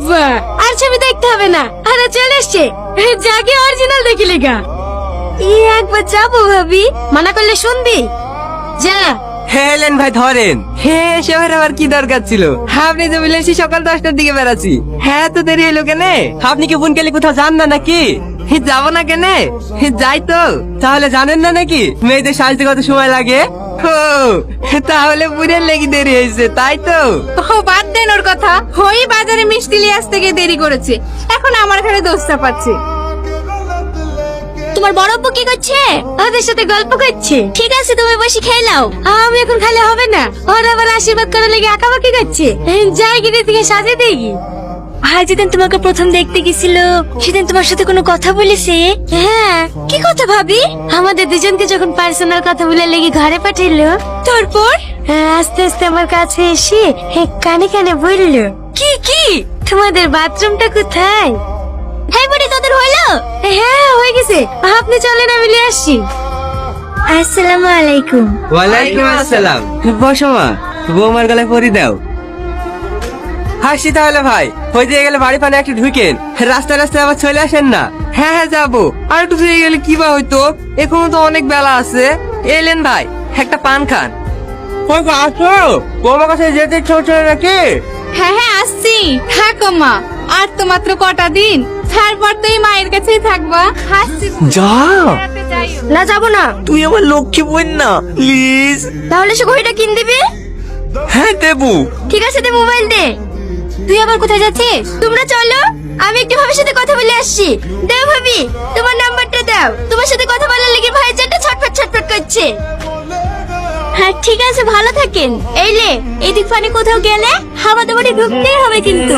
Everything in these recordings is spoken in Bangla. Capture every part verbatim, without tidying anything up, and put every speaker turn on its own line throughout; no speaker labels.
বাবা, আর ছবি দেখতে হবে না, আরে চলে এসছে, জাগে অরিজিনাল দেখি লেগা। এই একবার যাবো ভাবি, মানা করলে শুনবি? যা।
হ্যাঁ এলেন ভাই ধরেন। হ্যাঁ শহরে আবার কি দরকার ছিল? আপনি তো বললেন সেই সকাল দশটার দিকে বেড়াচ্ছি। হ্যাঁ তো দেরি হলো কেনে? আপনি কি বুনকেলি কোথাও যান না নাকি? যাবো না কেনে? যাই তো। তাহলে জানেন না নাকি মেয়েদের সাজতে কত সময় লাগে? ও তাহলে বুড়ের লেগে দেরি হয়েছে তাই তো?
ও বাদ দেন ওর কথা। ওই বাজারে মিষ্টি নিয়ে আসতে গিয়ে দেরি করেছে, এখন আমার ঘরে দোষটা পাচ্ছে।
তোমার বড় আব্বু কি করছে? ওদের সাথে গল্প করছে। ঠিক আছে তুমি বসে খেয়ে নাও, আমি এখন খেলে হবে না। ওরা আবার আশীর্বাদ করার লেগে আঁকাবাকি করছে। যাই গিয়ে থেকে সাজে দেখি। ভাই যেদিন তোমাকে প্রথম দেখতে গেছিল সেদিন তোমার সাথে কোনো কথা বলেছে? হ্যাঁ। কি কথা ভাবি? আমাদের দুজনকে যখন পার্সোনাল কথা বলে লেগে ঘরে পাঠাইলো, তারপর আস্তে আস্তে আমার কাছে এসে কানে কানে বললো, কি কি তোমাদের বাথরুমটা কোথায়? হ্যাঁ বুড়ি তোদের হইলো? হ্যাঁ হয়ে গেছে, আপনি চলেন আমি নিয়ে আসছি। আসসালামু আলাইকুম।
ওয়ালাইকুম আসসালাম। বসো মা, বৌমার গলায় পরি দাও। হাসি তাহলে ভাই, হয়ে দিয়ে গেলে বাড়ি পানে একটু ঢুকেন, রাস্তায় রাস্তায় আবার চলে আসেন না। হ্যাঁ হ্যাঁ যাবো, আর একটু দিয়ে গেলে কি বা হইতো, এখনো তো অনেক বেলা আছে। এলেন ভাই একটা পান খান। ওই আসো, বৌমার কাছে যেতে ছোট নাকি?
হ্যাঁ হ্যাঁ আসছি, থাকো মা, আর তো মাত্র কটা দিন, তারপর তো এই মায়ের কাছেই থাকবা। আসছি
যা।
বেড়াতে যাইও।
না যাবো না।
তুই আমার লক্ষ্মী বোন না, প্লিজ।
তাহলে সে ঘড়িটা কিন দিবি?
হ্যাঁ দেবো।
ঠিক আছে দে মোবাইল দে। তুই আবার কোথায় যাচ্ছিস? তোমরা চলো, আমি একটু ভাবির সাথে কথা বলে আসছি। দাও ভাবি তোমার নাম্বারটা দাও, তোমার সাথে কথা বলার লেগে ভাই চারটা ছটফট ছটফট করছে। হ্যাঁ ঠিক আছে ভালো থাকেন। এই লে এদিক ফানে কোথাও গেলে আমাদের বাড়ি ঢুকতেই হবে কিন্তু।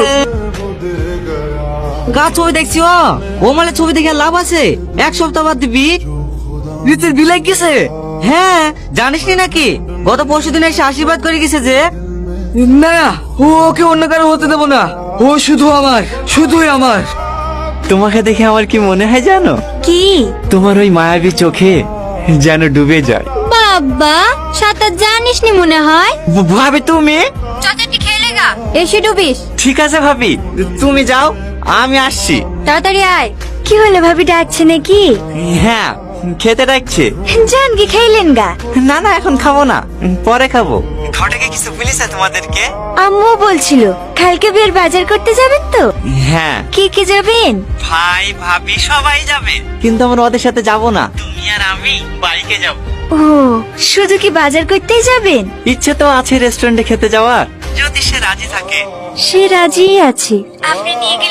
গা ছবি দেখছি ও ও মানে ছবি দেখে লাভ আছে? এক সপ্তাহ বাদ দিবি।
রিতের বিলাই গেছে?
হ্যাঁ জানিস নি নাকি গত পরশু দিন এসে আশীর্বাদ করে গেছে যে।
না ও ওকে অন্য কারো হতে দেবো না, ও শুধু আমার, শুধুই আমার।
তোমাকে দেখে আমার কি মনে হয় জানো?
কি?
তোমার ওই মায়াবী চোখে যেন ডুবে যায়।
বাবা সাঁতার জানিস নি মনে হয়।
ভাবি তুমি?
চাচাটি খেলে গা এসে ডুবিস।
ঠিক আছে ভাবি, তুমি যাও, আমি আসছি।
তাড়াতাড়ি আয়। কি হলো ভাবি ডাকছে নাকি?
হ্যাঁ খেতে ডাকছে।
জান কি খাইলেন গা?
না না এখন খাবো না, পরে খাবো। ঘটকে কিছু বলেছে তোমাদেরকে?
আম্মু বলছিল কালকে বিয়ের বাজার করতে যাবেন তো।
হ্যাঁ
কি কি যাবেন?
ভাই ভাবি সবাই যাবে, কিন্তু আমরা ওদের সাথে যাব না, তুমি আর আমি বাইকে যাব।
ও শুধু কি বাজার করতেই যাবেন?
ইচ্ছে তো আছে রেস্টুরেন্টে খেতে যাওয়ার, যদি সে রাজি থাকে।
সে রাজি আছে, আপনি নিয়ে গেলে